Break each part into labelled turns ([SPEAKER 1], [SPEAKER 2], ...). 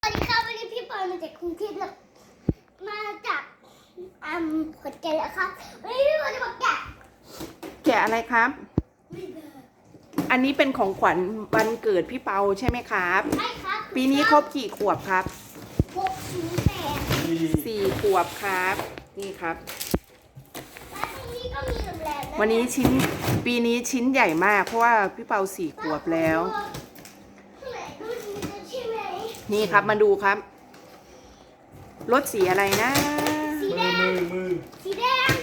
[SPEAKER 1] สวัสดีครับวันนี้พี่ปอยมาจากกรุงเทพแล้วมาจากขอนแก่นแล้วครับวันนี้พี่ปอยจะมา
[SPEAKER 2] แกะอะไรครับ อันนี้เป็นของขวัญวันเกิดพี่เปาใช่ไหมครับ
[SPEAKER 1] ใช่ครับ
[SPEAKER 2] ปีนี้ครบกี่ขวบครับ
[SPEAKER 1] 608
[SPEAKER 2] 4 ขวบครับ นี่ครับ
[SPEAKER 1] และตรงนี้ก็มีแหลมๆะ
[SPEAKER 2] วันนี้ปีนี้ชิ้นใหญ่มากเพราะว่าพี่เปา4 ขวบแล้ว
[SPEAKER 1] ข้างในก็มีใช่ไหม
[SPEAKER 2] นี่ครับมาดูครับ รถสีอะไรนะ
[SPEAKER 1] สีแดง
[SPEAKER 3] มือ
[SPEAKER 1] สีแดง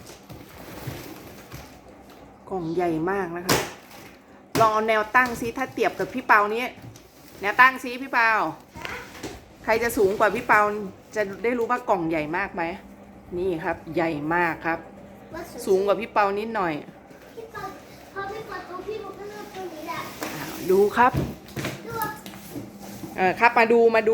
[SPEAKER 2] กล่องใหญ่มากนะครับ ลองเอาแนวตั้งซิถ้าเทียบกับพี่เปานี้แนวตั้งซิพี่เปา ใครจะสูงกว่าพี่เปาจะได้รู้ว่ากล่องใหญ่มากไหม นี่ครับ ใหญ่มากครับ
[SPEAKER 1] ว่า
[SPEAKER 2] สูงกว่าพี่เปานิดหน่อย
[SPEAKER 1] พี่ปอยพอพี่ปอยตัวพี่มันก็เลือกตัวนี้แหละ
[SPEAKER 2] ดูครับ
[SPEAKER 1] ดู
[SPEAKER 2] ครับมาดู
[SPEAKER 3] มา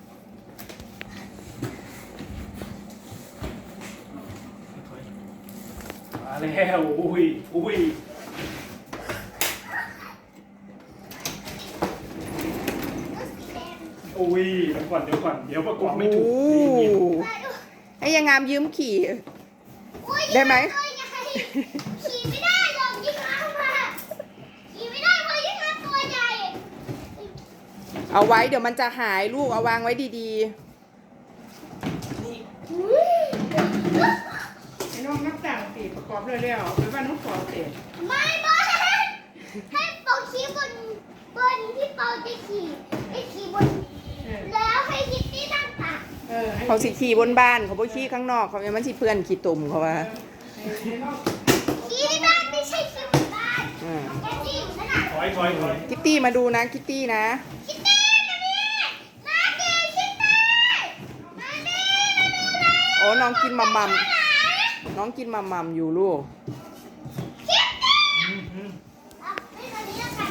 [SPEAKER 3] แล้วอุ้ย
[SPEAKER 1] ก็สีแดง
[SPEAKER 3] อุ้ยเดี๋ยวก่อนเดี๋ยวประกอบไม่ถูก
[SPEAKER 2] โอ้
[SPEAKER 3] นี่
[SPEAKER 1] มาดู
[SPEAKER 2] ให้ยังงามยืมขี่
[SPEAKER 1] อุ๊ย
[SPEAKER 2] ได้ไหม
[SPEAKER 1] ตัวใหญ่ขี่ไม่ได้หรอกยิ่งเอามาขี่ไม่ได้เพราะยิ่งเอาตัวใหญ่
[SPEAKER 2] เอาไว้เดี๋ยวมันจะหายลูกเอาวางไว้ดี
[SPEAKER 1] อุ๊ย
[SPEAKER 2] ๆไอ้น้องนับต่างตีประกอบเร็วๆหรือว่าน้องขอเสร็จ
[SPEAKER 1] ไม่บอลให้เปาขี่บนที่เปาจะขี่ให้ขี่บนแล้วให้คิตตี้นั่งตัก
[SPEAKER 2] เขาสิขี่บนบ้านเขาบ่ขี่ข้างนอกเขายังมันสิเพื่อนขี่ตุ่มเขาว่า
[SPEAKER 1] ขี่ที่บ้านไม่ใช่ขี่บนบ้าน
[SPEAKER 2] อ่า
[SPEAKER 1] แค่ขี่อยู่นั่นน่ะ
[SPEAKER 3] ถอย
[SPEAKER 2] คิตตี้มาดูนะคิตตี้นะ
[SPEAKER 1] คิตตี้มาดิมาดิคิตตี้มาดิมาดูเลย
[SPEAKER 2] โอ้น้องกินมัมมัมน้องกินมัมมัมอยู่ลูก
[SPEAKER 1] คิตตี้เอาไม่ตอนนี้แล้วกัน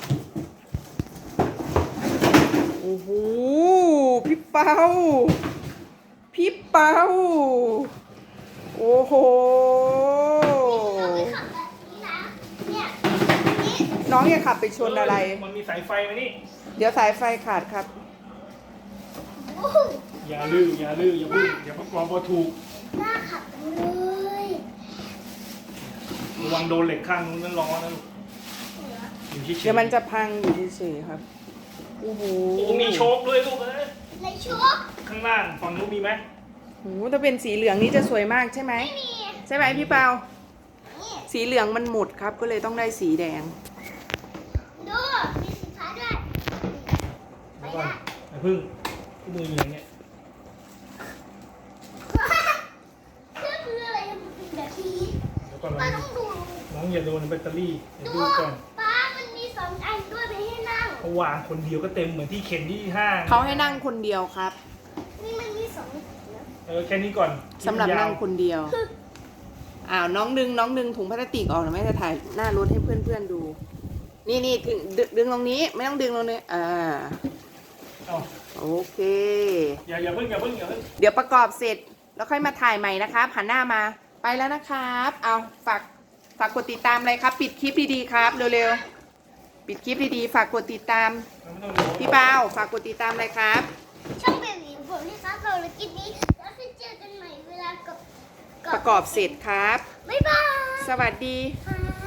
[SPEAKER 2] โอ้โหพี่เปาพี่เปาโอ้โห
[SPEAKER 1] เราไม่ขับแบบนี้นะเนี่ยนี่
[SPEAKER 2] น้องอย่าขับไปชนอะไร
[SPEAKER 3] มันมีสายไฟไหมนี่
[SPEAKER 2] เดี๋ยวสายไฟขาดครับ
[SPEAKER 1] โอ้โห
[SPEAKER 3] อย่าลืออย่าพึ่งอย่าประกอบพอถูก
[SPEAKER 1] น่าขับจังเลย
[SPEAKER 3] ระวังโดนเหล็กข้างนู้นนั่นร้อนนะลูกอยู่เฉยๆ
[SPEAKER 2] เดี๋ยวมันจะพังอยู่เฉยๆครับ โอ้โห
[SPEAKER 3] โอ้มีโชคด้วยลูกเอ้ย
[SPEAKER 1] ในชุด
[SPEAKER 3] ข้างล่างฝั่งนู้นมีไหม
[SPEAKER 2] โอ้โหถ้าเป็นสีเหลืองนี่จะสวยมากใช่ไหม
[SPEAKER 1] ไม่มี
[SPEAKER 2] ใช่ไหมพี่เปา
[SPEAKER 1] นี่
[SPEAKER 2] สีเหลืองมันหมดครับ ก็เลยต้องได้สีแดง
[SPEAKER 1] ดูมีสีฟ้าด้วยไป
[SPEAKER 3] เดี๋ยวก่อน
[SPEAKER 1] ละ
[SPEAKER 3] อย่าพึ่งมืออย่างเงี้ย
[SPEAKER 1] เครื่องมืออะไรมันเป็นแบบนี้
[SPEAKER 3] เดี๋ยวก่อน
[SPEAKER 1] ป้าต้องดู
[SPEAKER 3] น้องอย่าโดนแบตเตอรี่เดี๋ยว
[SPEAKER 1] ดู
[SPEAKER 3] ดูก่อน
[SPEAKER 1] ป้ามันมีสองอันด้วยไปให้นั่ง
[SPEAKER 3] เขาวางคนเดียวก็เต็มเหมือนที่เข็นที่ห้าง
[SPEAKER 2] เขาให้นั่งคนเดียวครับ
[SPEAKER 1] นี่มันมีสองนะ
[SPEAKER 3] แค่นี้ก่อน
[SPEAKER 2] สำหรับนั่ง
[SPEAKER 3] ยาว
[SPEAKER 2] คนเดียว อ้าวน้องดึงถุงพลาสติกออกหน่อยแม่จะถ่ายหน้ารถให้เพื่อนๆดู นี่ถึงดึงตรงนี้ไม่ต้องดึงตรงนี้
[SPEAKER 3] เอา
[SPEAKER 2] โอเค
[SPEAKER 3] อย่าเพิ่ง
[SPEAKER 2] เดี๋ยวประกอบเสร็จแล้วค่อยมาถ่ายใหม่นะครับหันหน้ามาไปแล้วนะครับ เอาฝากกดติดตามเลยครับ ปิดคลิปดีๆครับเร็วๆปิดคลิปดีๆฝากกดติดตามพี่เปาฝากกดติดตามเลยครับ
[SPEAKER 1] ช่องเบบีผมนี่ครับเราเลยกินนี้แล้วไปเจอกันใหม่เวลากับ
[SPEAKER 2] ประกอบเสร็จครับ
[SPEAKER 1] บ๊ายบาย
[SPEAKER 2] สวัสดี
[SPEAKER 1] ค่ะ